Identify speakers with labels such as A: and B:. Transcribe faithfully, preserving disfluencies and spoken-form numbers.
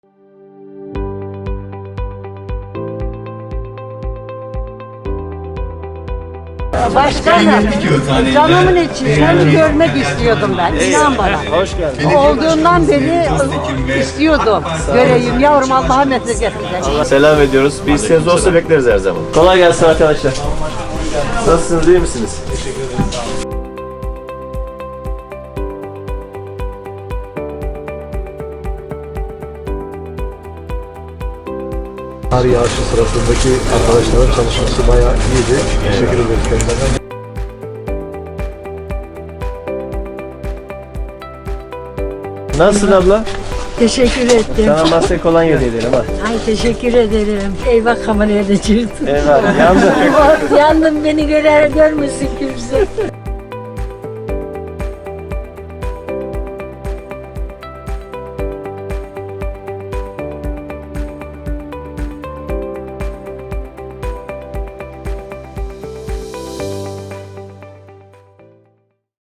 A: Başkanım, canımın içi seni görmek istiyordum ben, inan bana.
B: Hoş geldin.
A: Olduğundan beri istiyordum. Göreyim yavrum, Allah'a mesaj getireceğim.
C: Selam ediyoruz. Bir isteğiniz olsa bekleriz her zaman. Kolay gelsin arkadaşlar. Nasılsınız, iyi misiniz? Teşekkür ederim.
D: Kar yağışı sırasındaki arkadaşların çalışması bayağı iyiydi. Teşekkür ederiz kendilerine.
C: Nasılsın abla?
A: Teşekkür ettim.
C: Sana masaya kolonya hediye edelim ha.
A: Ay teşekkür ederim. Eyvah, kameraya da çıktı.
C: Eyvallah, yandı.
A: Yandım, beni görer görmesin kimse.